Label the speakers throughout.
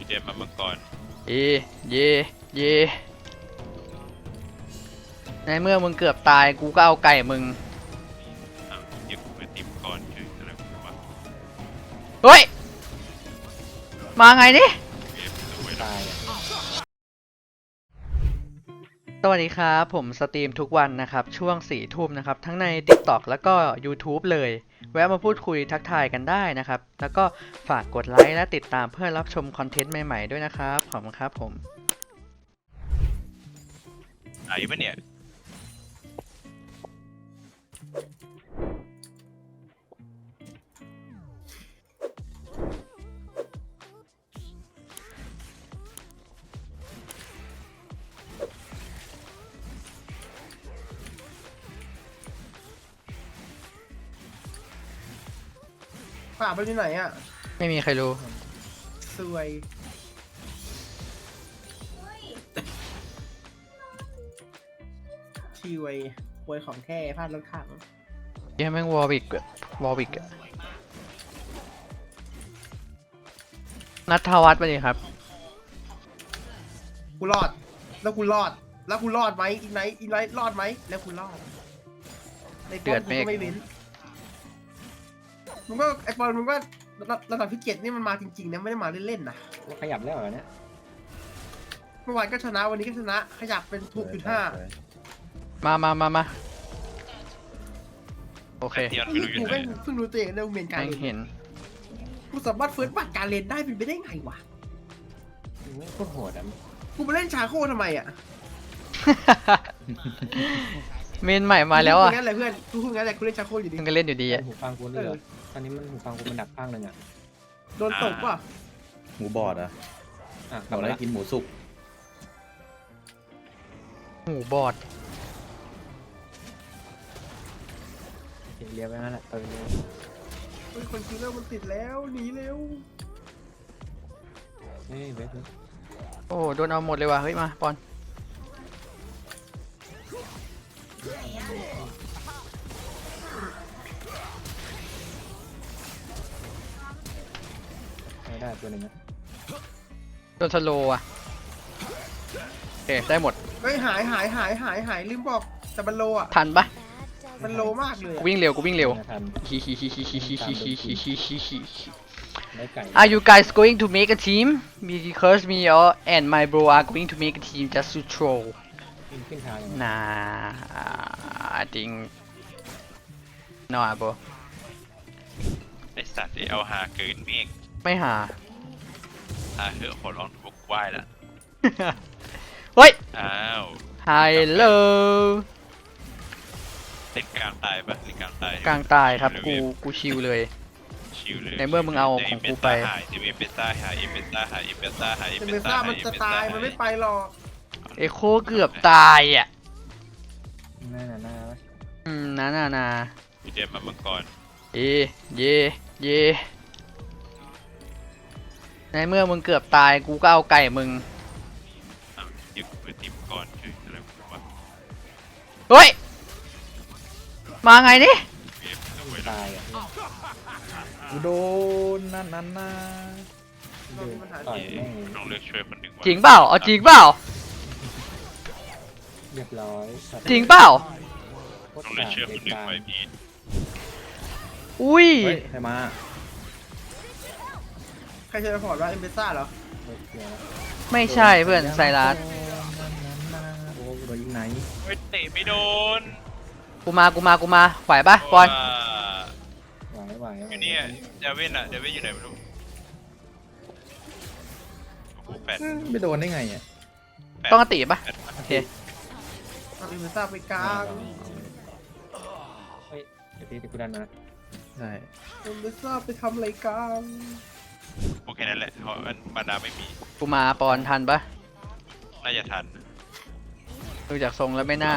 Speaker 1: เจมมามังกร
Speaker 2: เย่เย่เย่ในเมื่อมึงเกือบตายกูก็เอาไก่มึง
Speaker 1: เดี๋ยวกูไปตีมังกรคืออะไรวะ
Speaker 2: เฮ้ยมาไงนี่
Speaker 1: ตาย
Speaker 2: สวัสดีครับผมสตรีมทุกวันนะครับช่วง4 ทุ่มนะครับทั้งใน TikTok แล้วก็ YouTube เลยแวะมาพูดคุยทักทายกันได้นะครับแล้วก็ฝากกดไลค์และติดตามเพื่อรับชมคอนเทนต์ใหม่ๆด้วยนะครับขอบคุณครับผม
Speaker 1: อยู่ปะเนี่ย
Speaker 3: ป่าไปที่ไหนอ่ะ
Speaker 2: ไม่มีใครรู้
Speaker 3: สวยชีวยควยของแท้พลาดรถถัง
Speaker 2: เยังแม่งวอลวิกนัทวัฒน์ไปดิครับ
Speaker 3: กูรอดแล้วกูรอดไหมอีกไหนรอดไหมแล้วกูรอดในป้อมกูก็ไม่เว้นมึงก็ไอปอนมึงก็ระดับที่7นี่มันมาจริงๆนะไม่ได้มาเล่นๆนะ
Speaker 4: ขยับแล้วเหรอเนี่ย
Speaker 3: เมื่อวานก็ชนะวันนี้ก็ชนะขยับเป็น6.5
Speaker 2: มาโอเค
Speaker 3: กูเพิ่งรู้ตัวเองเรื่องเมนการ
Speaker 2: เห็น
Speaker 3: กูสามารถเฟิร์สบัตรการเล่นได้เป็นไปได้ไงวะ
Speaker 4: ไม่โคตรโหดอ่ะ
Speaker 3: กูมาเล่นชาโคทำไมอ่ะ
Speaker 2: เมนใหม่มาแล้วอ่ะ
Speaker 3: งั้นแหละเพื่อนกูพูดงั้นแหละกูเล่นชาโคอยู่ดี
Speaker 2: มึงก็เล่นอยู่ดีอ่ะ
Speaker 4: หูฟังกูเลยตอนนี้มันหูฟังกูมันหนักข้างนึงอ่ะ
Speaker 3: โดนตกป่ะ
Speaker 5: หมูบอดอ่ะกลับมาได้กินหมูสุก
Speaker 2: หมูบอด
Speaker 4: เลี้ยวไปนั่นแหละเลี้ยว
Speaker 3: คนคิวเลอร์มันติดแล้วหนีเร็ว
Speaker 4: เฮ้ยเวท
Speaker 2: โอ้โดนเอาหมดเลยว่ะเฮ้ยมาปอน
Speaker 4: ไม่ได้ตัวหนึ่งนะ
Speaker 2: โดนสโลว์อ่ะโอเคได้หมด
Speaker 3: เฮ้ยหายลืมบอกแต่มันโลอ่ะ
Speaker 2: ทันปะ
Speaker 3: มันโลมากเลย
Speaker 2: กูวิ่งเร็วฮิ Are you guys going to make a team? Because me and my bro are going to make a team just to troll. Nah, I think no, bro.
Speaker 1: ไอสัตว์เอาหาเกินเมฆ
Speaker 2: ไม่หา
Speaker 1: เหอะขอร้องถูกไหว้ละ
Speaker 2: เฮ้ย
Speaker 1: อ้าว
Speaker 2: Hello
Speaker 1: เล่นกลางตายปะเล่นกลางตาย
Speaker 2: ครับกูชิลเลยในเมื่อมึงเอาของกูไป
Speaker 1: เอเปซ่า
Speaker 3: มันจะตายมันไม่ไปหรอก
Speaker 2: เอโคเกือบตายอ่ะ
Speaker 4: น่า
Speaker 2: นา
Speaker 1: พี่เจมมามังกร
Speaker 2: เย่ในเมื่อมึงเกือบตายกูก็เอาไก่มึง
Speaker 1: เดี๋ยวกูไปตีมังกรคืออะไรวะ
Speaker 2: เฮ้ยมาไงนี่
Speaker 4: ตายอ่ะกูโดนนั่น
Speaker 1: ต้องเลือกช่วยคนหนึ่ง
Speaker 2: จริงเปล่าเอาจริงเปล่า
Speaker 4: เรียบร้อย
Speaker 2: จริงเปล่า
Speaker 1: ต้องเลือกช่วยคนหนึ่งไว้พี่
Speaker 2: อุ้ย
Speaker 5: ใครมา
Speaker 3: ใครจะไปพอร์ตว่าเอ็มเบซ่าเหรอ
Speaker 2: ไม่ใช่เพื่อนไซรัส
Speaker 4: โอ้โดนยิงไหน
Speaker 1: ไม่เตะไม่โดน
Speaker 2: กูมาไหวปะปอน
Speaker 4: ไหว
Speaker 1: อยู่นี่เดวินอยู่ไหนไม่รู้โอ้โห8
Speaker 5: ไม่โดนได้ไงอ่ะ
Speaker 2: ต้องตีปะโอเค
Speaker 3: เอ็มเบซ่าไปกลาง
Speaker 4: เฮ้ยเดี๋ยวกูดันมา
Speaker 5: ใช่
Speaker 3: เอ็มเบซ่าไปทำอะไรกลาง
Speaker 1: โอเคนั่นแหละเพราะบรรดาไม่มี
Speaker 2: กูมาปอนทันปะ
Speaker 1: น่าจะทัน
Speaker 2: ดูจากทรงแล้วไม่น่า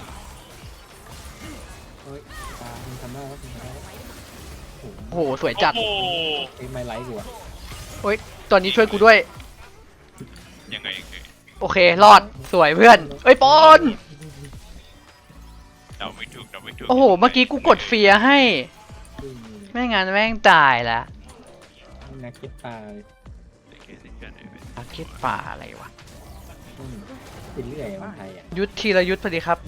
Speaker 4: เฮ้ยทำได้แล้ว
Speaker 2: โอ้โหสวยจัด
Speaker 4: ไม่ไลค์กูอ่ะ
Speaker 2: โอ้ยตอนนี้ช่วยกูด้วย
Speaker 1: ยังไง
Speaker 2: โอเครอดสวยเพื่อนเอ้ยปอน
Speaker 1: เราไม่ถูก
Speaker 2: โอ้โหเมื่อกี้กูกดเฟียให้ไม่งั้นแม่งตายละ
Speaker 4: นักเก็ตตาย
Speaker 1: กันเลยเว้ย
Speaker 2: อาเก็ตป่าอะไรวะ
Speaker 4: เป็นเรื่อยมันไทยอ่ะ
Speaker 2: ยุทธธีรยุทธพอดีครับ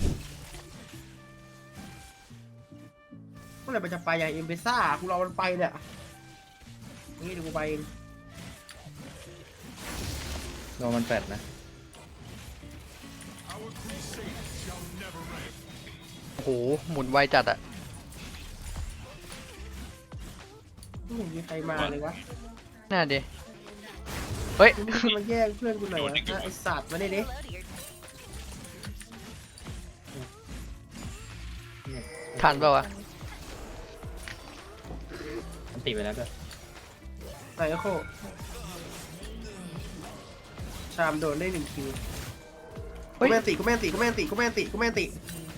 Speaker 3: เมื่อไหร่มันจะไปอย่างเอ็มเบซ่ากูรอมันไปเนี่ยนี่เดี๋ยวกูไปเอง
Speaker 5: รอมันแปดนะ
Speaker 2: โอ้โหหมุนไวจัดอะ
Speaker 3: ไม่เห็นมีใครมาเลยวะ
Speaker 2: น่าดิเฮ้ย
Speaker 3: มึงจะมาแย่งเพื่อนกูหน่อยวะไอสัตว์มาได้ดิ
Speaker 2: ทันเปล่าวะ
Speaker 4: มันติดไปแล้วก็
Speaker 3: ไหนก็โคชามโดนได้1 คิว
Speaker 2: เฮ้ย
Speaker 3: กูแม่นติกูแม่นติกูแม่นติกูแม่นติกูแม่นติ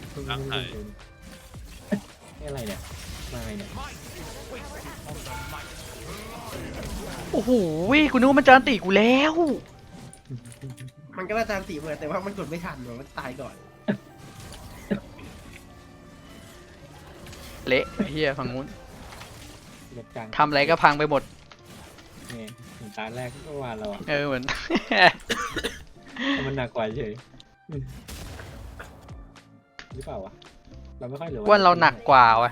Speaker 4: นี่อะไรเนี่ยมาไงเนี่ย
Speaker 2: โอ้โหกูนึกว่ามันจะอันติกูแล้ว
Speaker 3: มันก็น่าจะติเหมือนแต่ว่ามันกดไม่ทันหรอมันตายก่อน
Speaker 2: เละไอ้เฮียฝั่งนู้น
Speaker 4: รถกลาง
Speaker 2: ทำอะไรก็พังไปหมด
Speaker 4: เนี่ยถึงตาแรกก็วานเราอ่ะ
Speaker 2: เหมือน
Speaker 4: แต่มันหนักกว่าเฉยหรือเปล่าวะเราไม่ค่อยเหลือ
Speaker 2: ว่าเราหนักกว่าวะ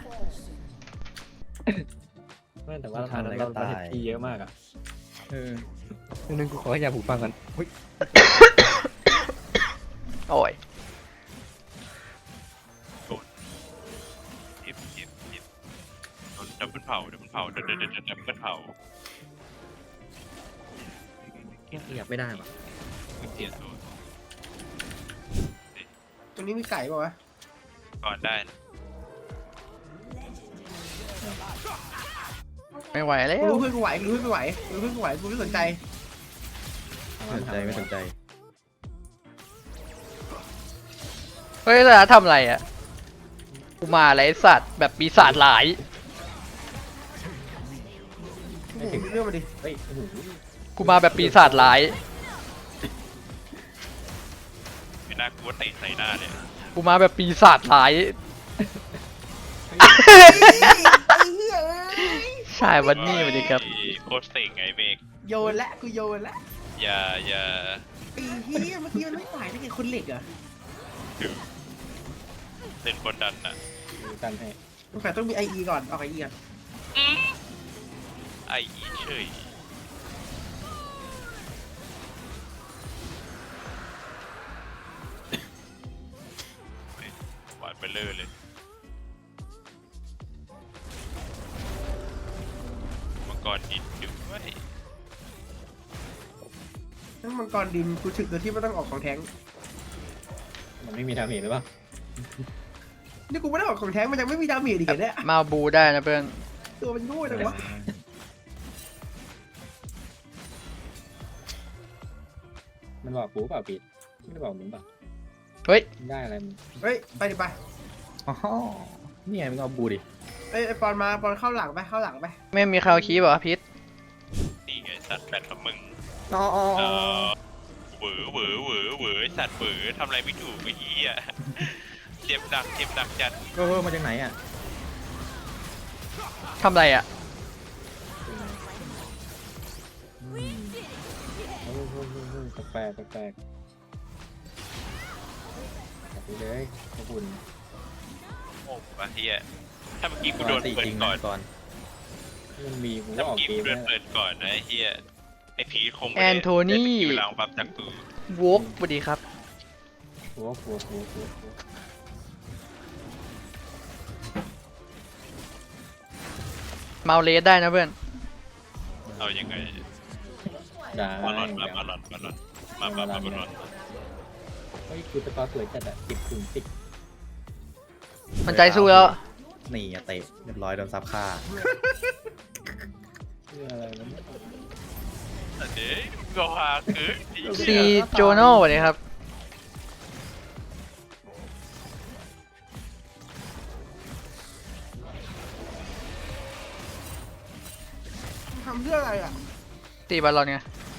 Speaker 4: ไม่แต่ว่าเราทำอะไรก็ตายทีเยอะมากอ่ะ
Speaker 5: นึงกูขอให้ยาผูกฟังกันเฮ้ย
Speaker 2: โอ้ย
Speaker 1: เก็บโดนดับเบิลเผาดับเบิลเผาดับเบิลเผา
Speaker 5: อยากไม่ได้ว่ะ
Speaker 1: เสียตัว
Speaker 3: ตรงนี้มีไก่ป่าวะ
Speaker 1: ก่อนได้นะ
Speaker 2: ไม่ไหวแล้
Speaker 3: กู
Speaker 2: ว
Speaker 3: รู้เพื่อนกูไหวกูรู้เพื่อนกูไหวกูรู้เพื่อนกูไหวกูไม่สนใจ
Speaker 5: ไม่สนใจไม่สนใจ
Speaker 2: เฮ้ยแล้วทำอะไรอ่ะกูมาอะไรไอ้สัตว์แบบปีศาจหลาย
Speaker 3: โอ้โหมีเรื่องมาดิ
Speaker 4: เฮ้ยโอ้โห
Speaker 2: กูมาแบบปีศาจหลาย
Speaker 1: ไม่น่ากลัวเตะใส่หน้าเลย
Speaker 2: กูมาแบบปีศาจหลาย
Speaker 3: ไอ้เหี้ย
Speaker 2: ใช่วันนี้สวัสดีครับ
Speaker 1: โคตรเซ็งไงเมก
Speaker 3: โยนละกูโยนละ
Speaker 1: อย่า
Speaker 3: ไอ้เหี้ยเมื่อกี้มันไม่ตายได้ไงคนเหล็กเหรอ
Speaker 1: เล่นกดดันน่ะ
Speaker 4: ดูกันให้
Speaker 3: สงสัยต้องมีไอก่อนเอาไอก่อน
Speaker 1: ไออีเฉยหวานไปเลยมังกรดินด้วย
Speaker 3: นั่นมังกรดินกูถึกโดยที่ไม่ต้องออกของแท้ง
Speaker 4: มันไม่มีทางเห็นหรือเปล่า
Speaker 3: นี่กูไม่ได้ออกของแท้งมันยังไม่มีดาเมจอีกเหรอเนี่ย
Speaker 2: มาบูได้นะเพื่อน
Speaker 3: ตัวมันโง่จังวะ
Speaker 4: มันบอกกูเปล่าปิดไม่ได้บอกมึงเปล่า
Speaker 2: เฮ้ย
Speaker 4: ได้อะไรมึง
Speaker 3: เฮ้ยไปดิไป
Speaker 5: อ๋อนี่ไงมึงเอาบูดิ
Speaker 3: ไอ้ปอนมาปอนเข้าหลังไปเข้าหลังไป
Speaker 2: ไม่มีคาวคีบเหรอพิษ
Speaker 1: นี่ไงสัตว์แบตกับมึง
Speaker 5: อ๋ออ๋อ
Speaker 1: เหวอสัตว์เหวอทำอะไรไม่ถูกไอ้เหี้ยเจ็บหนักจัด
Speaker 5: มาจากไหนอ่ะ
Speaker 2: ทำอะไรอ่ะ
Speaker 4: แปลกแปลกไปเลยขอบคุณ
Speaker 1: โอ้ปะเหี้ยถ้าเมื่อกี้กูโดน
Speaker 5: ตี
Speaker 1: เปิ
Speaker 5: จ
Speaker 1: ด
Speaker 5: ริง
Speaker 1: ก่อน
Speaker 5: ก่อน
Speaker 4: มันมีกูก็
Speaker 1: ถ้า
Speaker 4: อ
Speaker 1: เมื่
Speaker 4: อ
Speaker 1: อก กี้
Speaker 4: เก
Speaker 1: กู
Speaker 4: ม
Speaker 1: โดน
Speaker 4: แล้ว
Speaker 1: เปิดก่อนนะไอ้เหี้ยไอ้พีคง
Speaker 2: แอนโทนี่
Speaker 1: อยู่หลังปั๊บจากกู
Speaker 2: วกสวัสดีครับ
Speaker 4: หัว
Speaker 2: เมาเลสได้นะเพื่อน
Speaker 1: เอายังไง
Speaker 4: ได้
Speaker 1: มาหลอนมาหลอน
Speaker 4: เฮ้ยกูจะต่อสวยจัดอ่ะ10
Speaker 2: มันใจสู้แล้ว
Speaker 5: นี่อะเตะเรียบร้อยโดนซับฆ่า
Speaker 4: อะไรมัน
Speaker 1: เดี๋ยวก็หาคือ
Speaker 2: ซีโจโน่สวัสดีครับ
Speaker 3: ทำเพื่ออะไรอ่ะ
Speaker 2: ตีบอลลอนไง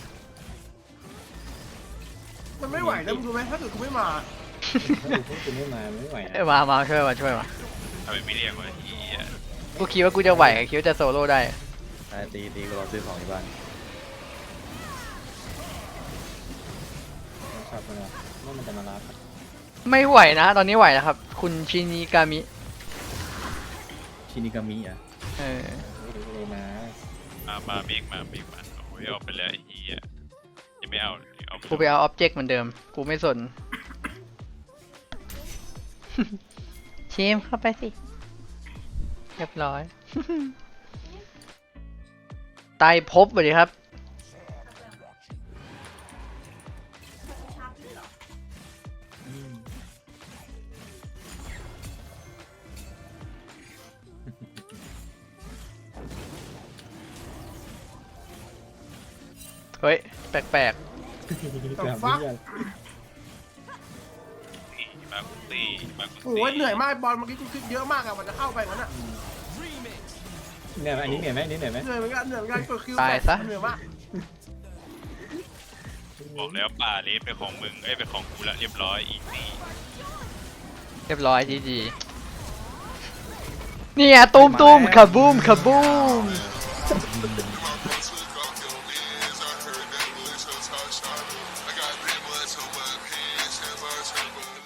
Speaker 3: มันไม่ไหวนะมึงรู้ไหมถ้าเกิดกูไม่มา
Speaker 4: ถ้ากูไม่มาไม่ไหว
Speaker 2: เอ้ย
Speaker 4: นะ
Speaker 2: มาช่วยมา
Speaker 1: ทำไมไม่เรียกวะเหี้ย
Speaker 2: กูคิดว่ากูจะไหวคิดว่าจะโซโล่ได้
Speaker 5: ตีกูรอซื้อของที่บ้าน
Speaker 4: ช่ไหมว่ามันจะมารับ
Speaker 2: ไม่ไหวนะ ตอนนี้ไหวแล้วครับ คุณชินิกามิ
Speaker 5: ชินิกามิอ่ะ
Speaker 2: เออ
Speaker 4: ไม่รู้เลยนะ
Speaker 1: มาเบรกมาโอ้ยออกไปแล้วไอ้เหี้ยยังไม่เอาเอา
Speaker 2: กูไปเอาอ็อบเจกต์เหมือนเดิม กูไม่สน ชิมเข้าไปสิ เรียบร้อย ไตรภพสวัสดีครับ เฮ้ย แปลก
Speaker 4: แบบนี้อะ
Speaker 1: มากุตีมากุตี
Speaker 3: โอ้ยเหนื่อยมากบอลเมื่อกี้กูคิดเยอะมากอะมันจะเข้าไปงั้นอะ
Speaker 4: เนี่ยอันนี้เหนื่อยไหมอันนี้เหนื่อยไหม
Speaker 3: เหนื่อยเหมือนกันเหนื่อยเหมือนกันกดคิว
Speaker 2: ตายซะ
Speaker 3: เหนื่อยมาก
Speaker 1: บอกแล้วป่าเลสเป็นของมึงเป็นของกูละเรียบร้อยอีกนี่
Speaker 2: ๆ เรียบร้อยจีจีนี่ไงตูมตูมคาบูมคาบูม
Speaker 6: I got that much on my pants and my turbo.